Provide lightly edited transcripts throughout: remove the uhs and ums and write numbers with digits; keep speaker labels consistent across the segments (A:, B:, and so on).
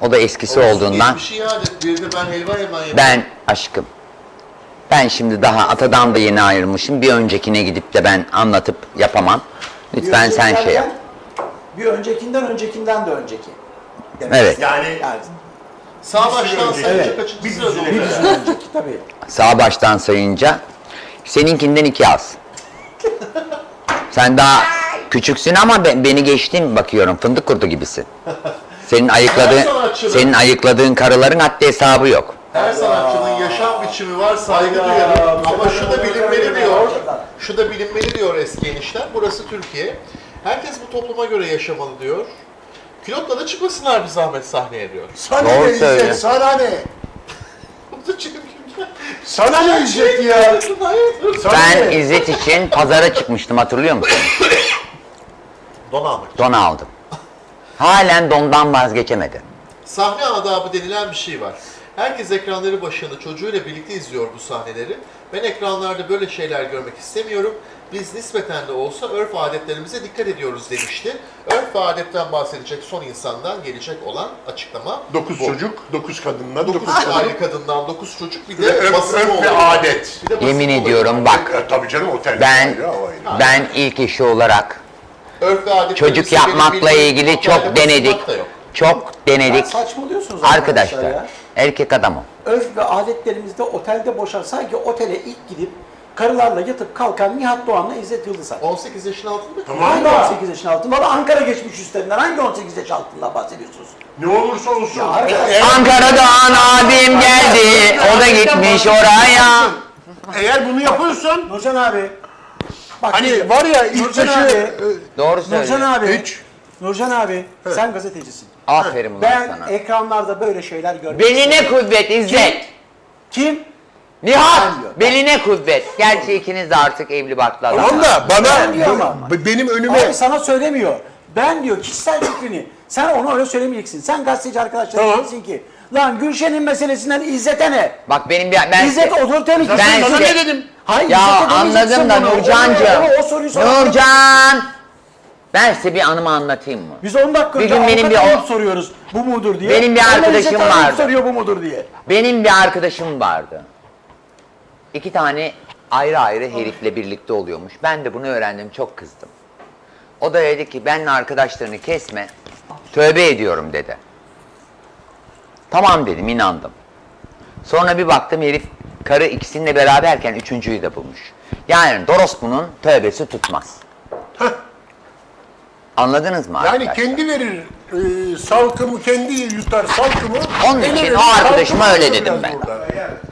A: O da eskisi
B: Olsun,
A: olduğundan.
B: geçmişi iade et. Bir de ben helva hemen yedim.
A: Ben aşkım. Ben şimdi daha atadan da yeni ayrılmışım. Bir öncekine gidip de ben anlatıp yapamam. Lütfen sen şey yap.
C: Bir öncekinden de önceki.
A: Evet.
D: Yani
B: Sağ baştan sayınca
C: Evet.
B: kaçıncı
D: Bir
B: sırada
D: sürü
C: Bir
B: olacak?
C: sürü önceki tabii.
A: Sağ baştan sayınca seninkinden 2 az. Sen daha küçüksün ama beni geçtin bakıyorum. Fındık kurdu gibisin. Senin ayıkladığın karıların haddi hesabı yok.
B: Her sanatçının yaşam biçimi var, saygı duyarım. Ama şu da bilinmeli diyor. Şu da bilinmeli diyor eski enişten. Burası Türkiye. Herkes bu topluma göre yaşamalı diyor. Külotla da çıkmasınlar bir zahmet sahneye diyor.
D: sana
A: Doğru
D: ne
A: söylüyor.
D: İzzet, sana ne?
B: Bu da çünkü-
D: Sana ne İzzet ya? Sana
A: Ben
D: ne?
A: İzzet için pazara çıkmıştım, hatırlıyor musun?
B: Don almak.
A: Don aldım. Halen dondan vazgeçemedi.
B: Sahne adabı denilen bir şey var. Herkes ekranları başında çocuğuyla birlikte izliyor bu sahneleri. Ben ekranlarda böyle şeyler görmek istemiyorum. Biz nispeten de olsa örf adetlerimize dikkat ediyoruz demişti. Örf ve adetten bahsedecek son insandan gelecek olan açıklama
D: 9
B: bu.
D: çocuk, 9 kadınla,
B: 9
D: 9
B: aile kadından 9 çocuk bir
D: Ve
B: de basın
D: örf ve
B: oluyor.
D: adet.
B: Bir de basın
A: Yemin
B: oluyor.
A: ediyorum bak,
D: Tabii canım otel.
A: ben
D: ayrı, o ayrı.
A: ben ilk işi olarak
B: Örf ve adetlerimizi
A: çocuk yapmakla
B: benim
A: ilgili
B: bildiğim
A: çok
B: otelde
A: denedik.
B: basılmak da yok.
A: Çok denedik.
C: Saçmalıyorsunuz
A: Arkadaşlar,
C: ya.
A: erkek adam o.
C: Örf ve adetlerimizde otelde boşan, sanki otele ilk gidip karılarla yatıp kalkan Nihat Doğan'la İzzet Yıldızay.
B: 18 yaşın altında mı?
D: Tamam.
C: Hangi 18 yaşın altında? Valla Ankara geçmiş üstlerinden hangi 18 yaş altında bahsediyorsunuz?
D: Ne olursa olsun.
C: Ya arkadaş-
A: Ankara'dan abim geldi, o da gitmiş oraya.
D: Eğer bunu yapıyorsan,
C: Nurcan abi. Bak,
D: hani var ya ilk
C: Nurcan
D: yaşı...
C: abi.
A: Doğru
C: Nurcan
A: söylüyor.
C: abi.
D: Hiç.
C: Nurcan abi, sen gazetecisin.
A: Aferin ulan
C: Ben
A: sana.
C: ekranlarda böyle şeyler görmek
A: Beline
C: istiyorum.
A: kuvvet İzzet.
C: Kim?
A: Nihat,
C: Ben diyor.
A: beline kuvvet. Gerçi ikiniz de artık evli barklı
D: Tamam
A: adamlar.
D: da
C: Ben diyor ama.
D: benim önüme...
C: Abi sana söylemiyor. Ben diyor kişisel fikrini. Sen ona öyle söylemeyeceksin. Sen gazeteci arkadaşlara
D: Tamam.
C: diyeceksin ki lan Gülşen'in meselesinden İzzet'e ne?
A: Bak benim ben
C: İzzet otoriteli kişi.
A: Ben
D: sana
A: size-
D: ne dedim?
C: Hayır,
A: Ya
C: İzzet'e demeyeceksin
A: anladım da
C: bunu.
A: Nurcancığım.
C: O soruyu soralım.
A: Nurcan. Ben size bir anımı anlatayım mı?
C: Biz 10 dakika
A: Bir
C: önce
A: gün benim
C: avukat
A: bir
C: arayıp soruyoruz. Bu mudur diye.
A: Benim bir
C: Onlar
A: arkadaşım
C: İzzet'e arayıp
A: vardı.
C: soruyor bu mudur diye.
A: Benim bir arkadaşım vardı. 2 tane ayrı ayrı herifle birlikte oluyormuş. Ben de bunu öğrendim, çok kızdım. O da dedi ki benimle arkadaşlarını kesme. Tövbe ediyorum dedi. Tamam dedim, inandım. Sonra bir baktım herif karı ikisininle beraberken üçüncüyü de bulmuş. Yani Dorospu'nun tövbesi tutmaz. Anladınız mı
D: Yani
A: arkadaşlar?
D: kendi verir salkımı, kendi yutar salkımı.
A: Onun için
D: verir,
A: o arkadaşıma
D: salkımı
A: öyle
D: yutar
A: dedim
D: biraz
A: ben.
D: burada.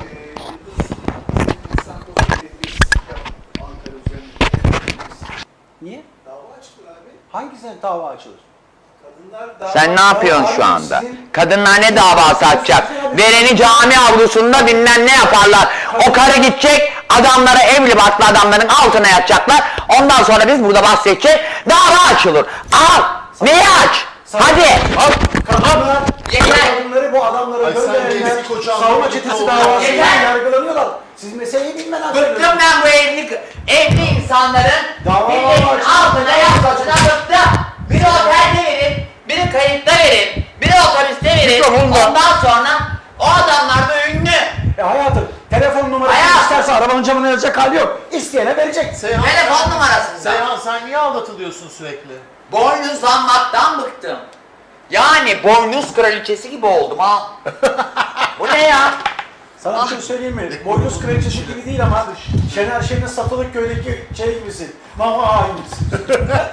C: Niye? Dava açılır abi. Hangisine dava açılır?
A: Sen ne yapıyorsun şu anda?
C: Sizin-
A: Kadınlar ne davası açacak? Vereni cami avlusunda bilmem ne yaparlar. O karı gidecek, adamlara evli barklı adamların altına yatacaklar. Ondan sonra biz burada bahsedeceğiz. Dava açılır. Al! Neyi aç? Hadi!
D: Al,
C: Kadınlar,
A: Yeter.
C: kadınları bu adamları
B: Ay sen
C: gönderenler
B: eski kocan
C: savunma
B: oldu,
C: çetesi
B: oldu.
C: davasıyla
A: Yeter.
C: yargılanıyorlar. Siz meseleyi bilmeden
A: Bıktım
C: söylüyorsunuz.
A: ben bu evli insanların
C: Dava
A: milletin
C: var.
A: altına yatmasına bıktım. Biri otelde verin, biri kayıtta verin, biri otobüste verin.
D: Mikrofonla.
A: Ondan sonra o adamlar da ünlü.
C: Hayatım, telefon numarası
A: Hayat.
C: isterse arabanın camına yazacak hali yok. İsteyene verecek.
B: Seyhan,
A: Telefon numarasında.
B: Seyhan sen niye aldatılıyorsun sürekli?
A: Boynuzlanmaktan bıktım. Yani boynuz kraliçesi gibi oldum ha. Bu ne ya?
C: Sana bir şey söyleyeyim mi? Boynuz kraliçesi gibi değil ama Şener Şen'in Satılık Köy'deki şey gibisin. Mama hainisin.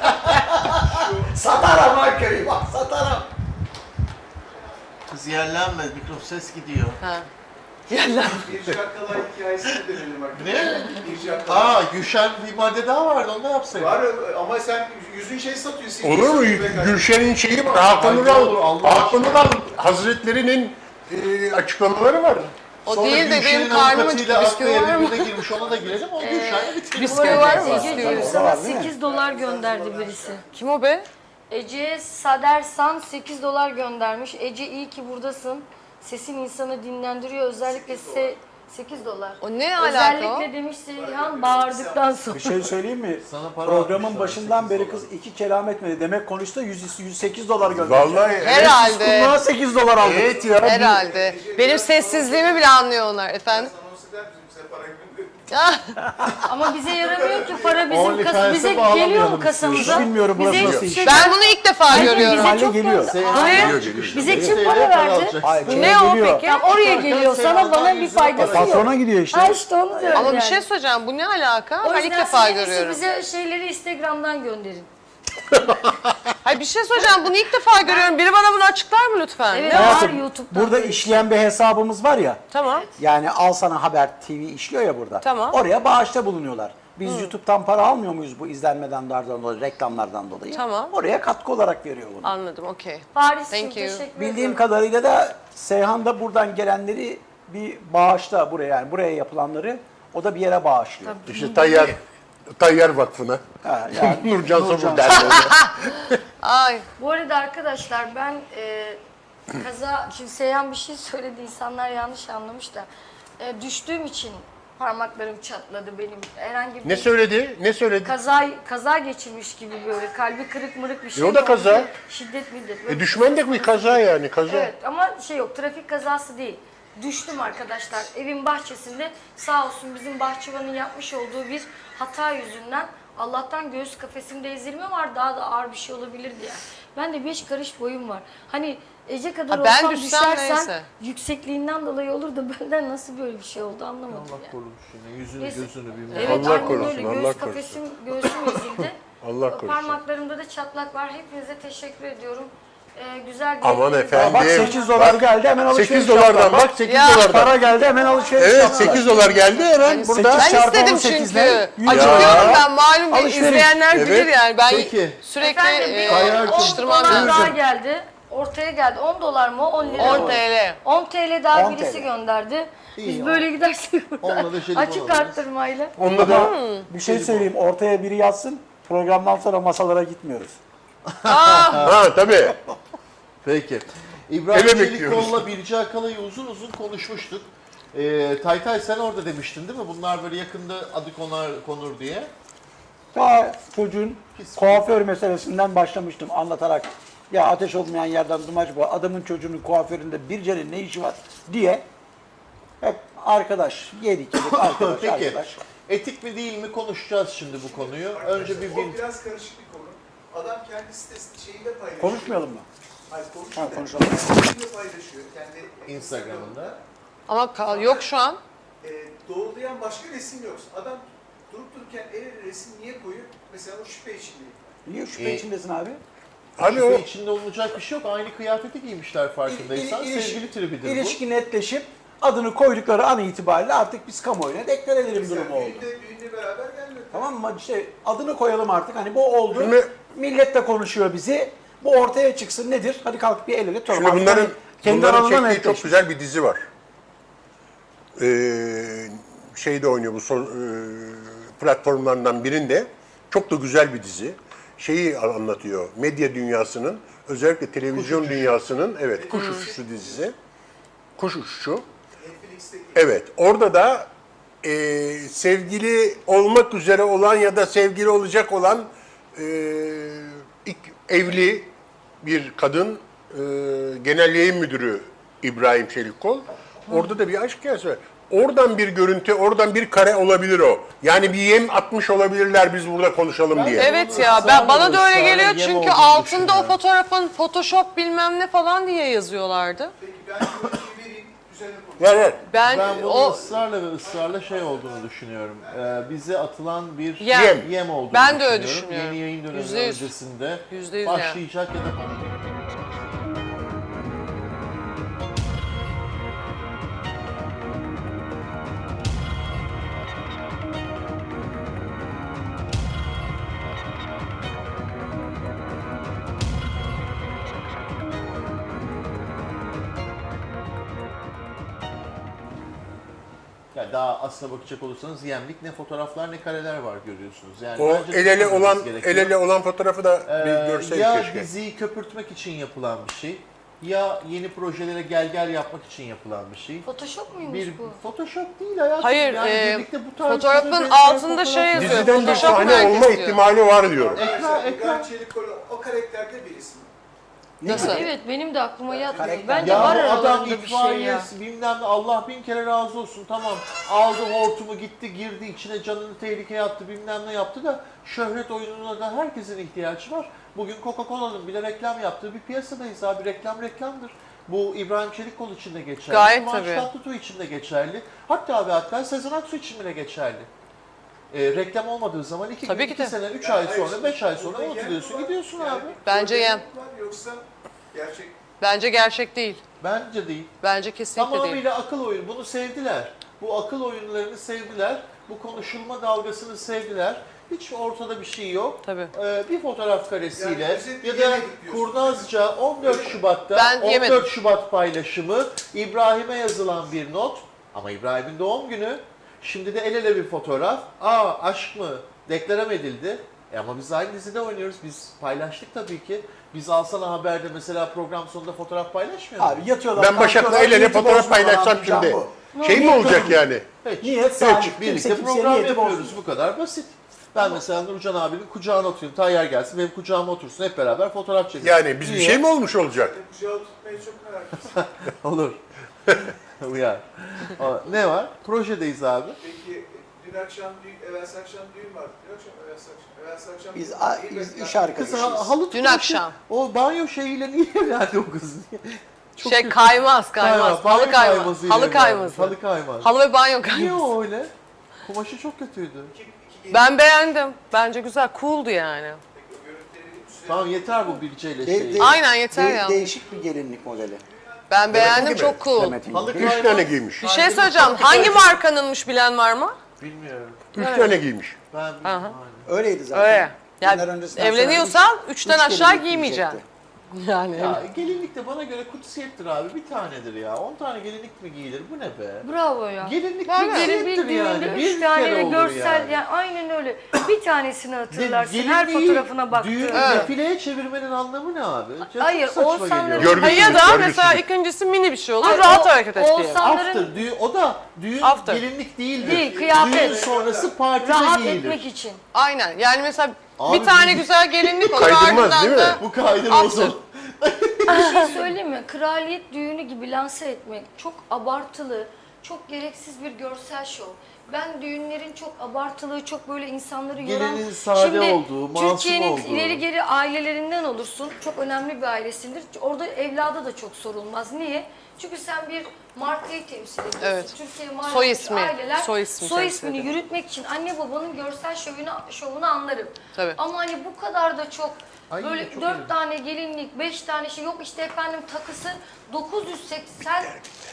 C: Satarım ha köyü bak, satarım.
B: Kız yerlenme, ses gidiyor.
E: Bir şarkılar hikayesini dönelim bak.
B: Ne?
E: Bir şarkılar.
B: Gülşen bir madde daha vardı, onu da yapsaydın.
E: Var ama sen yüzün şey satıyorsun.
D: Olur mu? Gülşen'in şeyi var. Hakan
B: Ay,
D: Ural,
B: olur, Allah
D: Hakan Ural Hazretlerinin açıklamaları var.
F: O
B: Sonra
F: değil de
B: Gülşen'in
F: benim karnım
B: avukatıyla
F: acıktı. Bisküvi
B: aklı
F: var mı?
B: birbirine girmiş, ona da girelim. O Gülşen'le bitirelim.
F: Bisküvi var mı?
G: Ece sana 8 dolar gönderdi birisi.
F: Kim o be?
G: Ece'ye Sadersan 8 dolar göndermiş. Ece iyi ki buradasın. Sesin insanı dinlendiriyor. Özellikle 8 dolar.
F: O ne alaka
G: Özellikle demiş Seyhan bağırdıktan sonra.
C: Bir şey söyleyeyim mi?
B: Sana para
C: Programın
B: atmışlar,
C: başından
B: 8
C: beri
B: dolar.
C: kız 2 kelam etmedi. Demek konuştu 108 dolar gönderdi.
D: Vallahi evet.
F: Herhalde.
C: Bundan 8 dolar aldık.
D: Evet ya.
F: Herhalde. Benim sessizliğimi bile anlıyorlar efendim.
E: Anons eder misin bize para gönderiyor?
G: Ama bize yaramıyor ki para bizim
B: OnlyFans'a
G: bize
B: bağlamayalım
G: geliyor mu
B: istiyorsan.
G: kasamıza?
C: Hiç bilmiyorum burası
G: Bize
C: nasıl
G: hiçbir
C: iş.
G: şey
F: Ben bunu ilk defa
G: Hayır,
F: görüyorum.
G: bize
C: Hale
G: çok
C: geliyor.
G: gönder- Hayır. Bize kim para verdi?
C: Hayır,
F: Ne o
C: geliyor.
F: peki?
G: Ya oraya geliyor. Sana bana bir faydası yok.
C: Patrona gidiyor işte.
G: Ha işte onu diyorum
F: Ama bir
G: yani.
F: şey söyleyeceğim. Bu ne alaka?
G: O
F: Ben ilk
G: yüzden
F: defa
G: siz en iyisi
F: görüyorum.
G: bize şeyleri Instagram'dan gönderin.
F: Hayır bir şey söyleyeceğim. Bunu ilk defa görüyorum. Biri bana bunu açıklar mı lütfen?
G: Evet
F: Ne o?
G: var
C: Hayatım,
G: YouTube'dan.
C: burada işleyen bir hesabımız var ya.
F: Tamam.
C: Yani Al Sana Haber TV işliyor ya burada.
F: Tamam.
C: Oraya bağışta bulunuyorlar. Biz YouTube'dan para almıyor muyuz bu izlenmeden dolayı, reklamlardan dolayı?
F: Tamam.
C: Oraya katkı olarak veriyor bunu.
F: Anladım. Okey.
G: Paris'cim
F: Thank you.
G: teşekkür
C: Bildiğim
G: ediyorum.
C: kadarıyla da Seyhan da buradan gelenleri bir bağışta buraya, yani buraya yapılanları o da bir yere bağışlıyor.
D: İşte Tayyar Vakfı'na.
C: Ha, yani
D: Nurcan
C: Nurcan
D: Sobur derneğine.
F: Ay.
G: Bu arada arkadaşlar ben şimdi Seyhan bir şey söyledi, insanlar yanlış anlamış da düştüğüm için parmaklarım çatladı benim. Herhangi bir
D: Ne söyledi? Ne söyledi?
G: kaza geçirmiş gibi böyle kalbi kırık mırık bir şey.
D: o da
G: oldu.
D: kaza.
G: Şiddet millet.
D: Düşman da bir kaza yani kaza.
G: Evet ama şey yok, trafik kazası değil. Düştüm arkadaşlar evin bahçesinde, sağ olsun bizim bahçıvanın yapmış olduğu bir hata yüzünden Allah'tan göğüs kafesimde ezilme var, daha da ağır bir şey olabilirdi yani. Ben de 5 karış boyum var. Hani Ece kadar
F: Ha, ben
G: olsam
F: düşsem
G: düşersen
F: neyse.
G: yüksekliğinden dolayı olur da benden nasıl böyle bir şey oldu anlamadım
B: Allah
G: yani.
B: korumuş yine. Yüzünü
G: Neyse.
B: gözünü bilmem.
G: Evet
D: Allah
G: aynen
D: korusun,
G: öyle.
D: Allah
G: Göğüs
D: korusun.
G: göğsüm ezildi.
D: Allah korusun.
G: Parmaklarımda da çatlak var. Hepinize teşekkür ediyorum. Güzel
D: Aman
G: dilekleriniz-
D: efendim.
C: bak 8 dolar geldi hemen alışveriş
D: 8 dolardan
C: yaptılar.
D: bak 8
F: Ya.
D: dolardan.
C: Para geldi hemen alışveriş
D: Evet
C: yaptılar.
D: 8 dolar geldi hemen burada.
F: Ben
C: çarpı
F: istedim
C: 18'den
F: çünkü.
C: 100
F: Acıkıyorum ben. Malum bir
C: Alışveriş.
F: izleyenler bilir
D: Evet.
F: yani. Ben
B: Peki.
F: sürekli
G: Efendim bir
B: Kayar-
G: 10
F: atıştırmam
G: dolar daha
F: lazım.
G: geldi. Ortaya geldi. 10 dolar mı? 10 lira
F: 10
G: mı?
F: TL.
G: 10 TL daha
C: 10
G: birisi
C: TL.
G: gönderdi.
B: İyi,
G: Biz
B: on.
G: böyle gidersek
B: Onunla da jelibon
G: açık
B: alırız.
G: arttırmayla.
D: Onunla da
C: Bir şey söyleyeyim, ortaya biri yatsın, programdan sonra masalara gitmiyoruz.
D: ha tabii.
B: Peki. İbrahim
D: Eve bekliyoruz.
B: Çelikkol'la Birce Akalay'ı uzun uzun konuşmuştuk. Taytay sen orada demiştin değil mi? Bunlar böyle yakında adı konur diye.
C: Daha çocuğun kuaför meselesinden başlamıştım anlatarak. Ya ateş olmayan yerden dumaç bu. Adamın çocuğunun kuaföründe Birce'nin ne işi var diye. Hep arkadaş, yedik arkadaş,
B: Peki.
C: arkadaş.
B: Etik mi değil mi konuşacağız şimdi bu konuyu. Önce bir
E: O biraz karışık bir konu. Adam kendi sitesinde şeyinde paylaşıyor.
C: Konuşmayalım mı?
E: Hayır
C: Ha,
E: konuşuyor.
C: konuşalım.
E: Şeyinde paylaşıyor. Kendi
B: Instagram'ında.
F: Ama yok şu an.
E: Doğrulayan başka resim yok. Adam durup dururken el resim niye koyuyor? Mesela o şüphe içindeyim.
C: Niye şüphe içindesin abi?
D: Abi
B: Şüphe
D: o
B: içinde olunacak bir şey yok. Aynı kıyafeti giymişler farkındaysan. Sevgili tribidir bu.
C: İlişki netleşip adını koydukları an itibariyle artık biz kamuoyuna deklar edelim durumu oldu.
E: Düğünde beraber gelmedi.
C: Tamam mı? İşte adını koyalım artık. Hani bu oldu.
D: Şimdi-
C: Millet de konuşuyor bizi. Bu ortaya çıksın nedir? Hadi kalk bir el ele tutalım.
D: şimdi
C: Artık
D: bunların
C: hani kendi
D: bunların
C: aralarında
D: çektiği
C: netleşmiş.
D: çok güzel bir dizi var. Şeyde oynuyor bu platformlardan birinde. Çok da güzel bir dizi. Şeyi anlatıyor. Medya dünyasının, özellikle televizyon dünyasının, evet, Kuş Uçuşu dizisi. Kuş Uçuşu.
E: Netflix'teki
D: Evet, orada da sevgili olmak üzere olan ya da sevgili olacak olan ilk evli bir kadın genel yayın müdürü İbrahim Çelikkol. Orada da bir aşk hikayesi var. Oradan bir görüntü, oradan bir kare olabilir o. Yani bir yem atmış olabilirler biz burada konuşalım diye.
F: Evet ya bana da öyle geliyor çünkü altında o fotoğrafın Photoshop bilmem ne falan diye yazıyorlardı.
E: Peki ben görüntüyü vereyim. Üzerine konuşalım.
D: Ver ver.
B: Ben bunu
F: o
B: ısrarla şey olduğunu düşünüyorum. Bize atılan bir
F: Yem.
B: olduğunu
F: Ben de öyle
B: düşünüyorum.
F: düşünüyorum.
B: Yeni yayın dönemi
F: %100.
B: öncesinde
F: %100 yani.
B: başlayacak ya da yani daha aslına bakacak olursanız yemlik ne fotoğraflar ne kareler var görüyorsunuz. Yani
D: O
B: bence
D: el ele
B: düşünmemiz
D: olan
B: gerekiyor.
D: el ele olan fotoğrafı da bir görseydik
B: ya
D: keşke.
B: diziyi köpürtmek için yapılan bir şey ya yeni projelere gel yapmak için yapılan bir şey.
G: Photoshop muymuş
B: Bir
G: bu?
B: Photoshop değil hayatım.
F: Hayır,
B: yani birlikte bu tarz
F: fotoğrafın
B: benzer
F: altında
B: fotoğraf-
F: şey yazıyor.
D: Diziden bir
F: Photoshop
D: sahne
F: herkes
D: olma
F: diyor.
D: ihtimali var diyorum.
B: Ekran.
E: İbrahim Çelikol o karakterde birisi mi?
F: Nasıl?
G: Evet benim de aklıma yatmıyor.
C: Karakter.
G: Bence
B: Ya
G: var
B: bu adam
G: aralarında bir şey ya.
B: itfaiyesi bilmem ne, Allah bin kere razı olsun, tamam aldı hortumu gitti girdi içine, canını tehlikeye attı, bilmem ne yaptı da şöhret oyununa da herkesin ihtiyacı var. Bugün Coca-Cola'nın bile reklam yaptığı bir piyasadayız abi, reklamdır. Bu İbrahim Çelikkol için de geçerli.
F: Gayet
B: Kıvanç
F: tabii.
B: Tatlıtuğ için de geçerli. Hatta Sezen Aksu için bile geçerli. Reklam olmadığı zaman
F: Tabii ki
B: iki
F: de.
B: sene, 3 ay
E: Hayır,
B: sonra, 5 ay sonra
E: burada
B: unutuluyorsun,
E: yer mi var?
B: gidiyorsun
E: Yani
B: abi.
F: Bence
E: burada
F: yem.
E: yer mi var Yoksa gerçek
F: Bence gerçek değil.
B: Bence değil.
F: Bence kesinlikle değil.
B: Tamamıyla akıl oyunu. Bunu sevdiler. Bu akıl oyunlarını sevdiler. Bu konuşulma dalgasını sevdiler. Hiç ortada bir şey yok.
F: Tabii.
B: Bir fotoğraf karesiyle
E: Yani özetle
B: ya da
E: yemedik diyorsun.
B: kurnazca 14 Şubat'ta
F: Ben
B: 14
F: yemedim.
B: Şubat paylaşımı, İbrahim'e yazılan bir not. Ama İbrahim'in doğum günü. Şimdi de el ele bir fotoğraf. Aşk mı? Deklarem edildi. Ama biz aynı dizide oynuyoruz. Biz paylaştık tabii ki. Biz Alsana Haber'de mesela program sonunda fotoğraf paylaşmıyor muyuz?
C: Abi yatıyorlar.
D: Ben Başak'la
C: kalkıyorlar,
D: el ele
C: niyeti
D: fotoğraf
C: bozmadan
D: paylaşsam
C: anlayacağım
D: şimdi.
C: bu.
D: Şey mi olacak yani?
B: Hiç.
C: Niyet salih.
B: Birlikte
C: Kimse kimseye
B: program
C: niyeti
B: yapıyoruz.
C: bozmuyor.
B: Bu kadar basit. Ben mesela Nurcan abinin kucağına oturayım. Tayyar gelsin benim kucağıma otursun. Hep beraber fotoğraf çekelim.
D: Yani biz bir
B: Niye?
D: şey mi olmuş olacak?
E: kucağı tutmayı çok merak ediyorum.
B: Olur. Uyar. Ne var? Projedeyiz abi.
E: Peki evvelsi akşam düğün vardı. Evvelsi akşam
C: Biz,
E: düğün
C: biz
E: değil,
C: iş
B: Kız
C: arkadaşıyız.
B: halı
F: Dün
B: tıraşı-
F: akşam.
B: O banyo şeyiyle niye evlendi o kız? Çok
F: Şey
B: kötü.
F: kaymaz.
B: Banyo
F: Halı kaymaz.
B: kaymasıyla
F: Halı
B: evlendi.
F: kayması.
B: Halı kaymaz.
F: Halı ve banyo
B: Niye
F: kayması.
B: o öyle? Kumaşı çok kötüydü.
F: Ben beğendim. Bence güzel. Cool'du yani.
B: Tamam yeter bu bilgeyle
C: De-
B: şey.
C: de-
F: Aynen, yeter ya.
C: Değişik bir gelinlik modeli.
F: Ben beğendim.
D: gibi.
F: Çok cool.
C: Demet'in.
B: Halı
D: 3 tane giymiş.
F: Bir şey söyleyeceğim. Hangi markanınmış bilen var mı?
B: Bilmiyorum.
D: 3 tane giymiş.
B: Ben bilmiyorum.
C: Öyleydi zaten.
F: Öyle.
C: Günler
F: Yani
C: öncesinden
F: evleniyorsan
C: sonra
F: 3'ten
C: üç
F: aşağı
C: gelinlik
F: giymeyeceksin.
C: giyecekti.
F: Yani.
B: Ya gelinlik de bana göre kutsiyettir abi. Bir tanedir ya. 10 tane gelinlik mi giyilir? Bu ne be?
G: Bravo ya.
B: Gelinlik
F: Var ya.
G: Benim
B: kutsiyettir
G: bir
B: yani.
G: düğünde
B: Bir
G: 3 tane
B: kere
G: de
B: olur
G: görsel yani. Aynen öyle. Bir tanesini hatırlarsın her
B: Gelinliği
G: fotoğrafına baktığında.
B: Düğün
F: Evet.
B: defileye çevirmenin anlamı ne abi? Çok
G: Hayır,
B: saçma
G: Oğuzhanların-
B: geliyor.
D: Görgüsüzlük,
F: Ya da
D: görgüsüzlük.
F: mesela ikincisi mini bir şey olur.
G: Ay,
F: rahat
G: o-
F: hareket et diye.
G: Oğuzhanların
B: After, o da düğün
F: After.
B: gelinlik değildir.
G: Değil, kıyafet.
B: Düğün sonrası partide
G: rahat
B: giyilir.
G: etmek için.
F: Aynen. Yani mesela
B: Abi
F: bir tane
B: biz-
F: güzel gelinlik olur.
D: Kaydırmaz,
F: ardından
D: değil mi?
F: da
B: Bu kaydırmaz
F: After.
B: o.
G: Bir şey söyleyeyim mi? Kraliyet düğünü gibi lanse etmek çok abartılı, çok gereksiz bir görsel şov. Ben düğünlerin çok abartılı, çok böyle insanları yoran...
B: Gelinin sade olduğu, masum
G: Türkiye'nin
B: olduğu.
G: ileri geri ailelerinden olursun. Çok önemli bir ailesindir. Orada evlada da çok sorulmaz. Niye? Çünkü sen bir markayı temsil ediyorsun.
F: Evet.
G: Türkiye markası
F: Soy ismi,
G: aileler
F: soy ismi
G: soy
F: temsil
G: ismini
F: ediyor.
G: yürütmek için anne babanın görsel şovunu anlarım.
F: Tabii.
G: Ama hani bu kadar da çok
B: Ay,
G: böyle
B: çok
G: 4
B: iyi.
G: tane gelinlik, 5 tane şey yok işte efendim takısı 980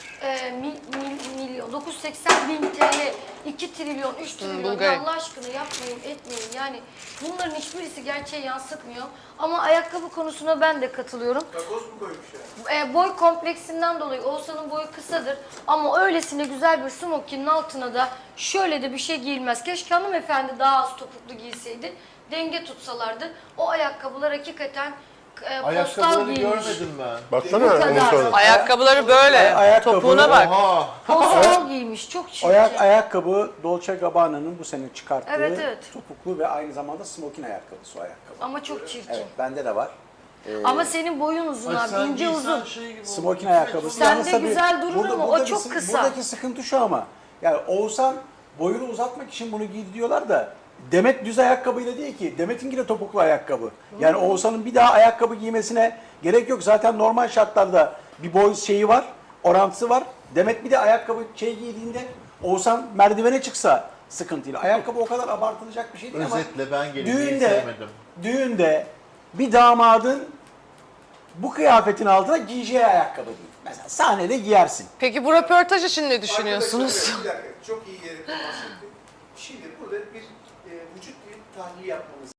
G: milyon, 980 bin TL, 2 trilyon, 3 trilyon.
F: Bulgari.
G: Ya Allah aşkına yapmayın, etmeyin. Yani bunların hiçbirisi gerçeği yansıtmıyor. Ama ayakkabı konusuna ben de katılıyorum.
E: Takoz mu koymuş yani?
G: Boy kompleksinden dolayı Oğuzhan'ın boyu kısadır ama öylesine güzel bir smokinin altına da şöyle de bir şey giyilmez. Keşke hanımefendi daha az topuklu giyseydi, denge tutsalardı. O ayakkabılar hakikaten postal
B: Ayakkabıları
G: giymiş.
B: görmedim ben.
D: Baksana
G: Bu kadar.
D: onun sonra.
F: Ayakkabıları böyle.
C: Ayakkabı-
F: Topuğuna bak.
B: Oha.
G: Postal giymiş, çok çirkin.
C: Ayakkabı Dolce Gabbana'nın bu sene çıkarttığı
G: Evet, evet.
C: topuklu ve aynı zamanda smokin ayakkabısı o ayakkabı.
G: Ama çok çirkin.
C: Evet, bende de var.
G: Ama senin boyun uzun
B: Ay
G: abi,
B: sen
G: ince
B: giysen
G: uzun.
B: şey gibi oldu.
C: Smokin ayakkabısı.
G: Sende
C: Yalnız tabii
G: güzel durur ama o
C: buradaki
G: çok kısa.
C: Buradaki sıkıntı şu ama. Yani Oğuzhan boyunu uzatmak için bunu giydi diyorlar da Demet düz ayakkabıyla değil ki. Demet'inki de topuklu ayakkabı. Yani Oğuzhan'ın bir daha ayakkabı giymesine gerek yok. Zaten normal şartlarda bir boy şeyi var, orantısı var. Demet bir de ayakkabı giydiğinde Oğuzhan merdivene çıksa sıkıntıyla. Ayakkabı o kadar abartılacak bir şey değil ama
B: Özetle ben gelinliği
C: düğünde,
B: sevmedim.
C: düğünde bir damadın bu kıyafetin altına giyeceği ayakkabı değil. Mesela sahnede giyersin.
F: Peki bu röportaj için ne düşünüyorsunuz?
E: Arkadaşlar, bir dakika, çok iyi yere temas ettik. Şimdi burada bir vücut dili tahlili yapmamız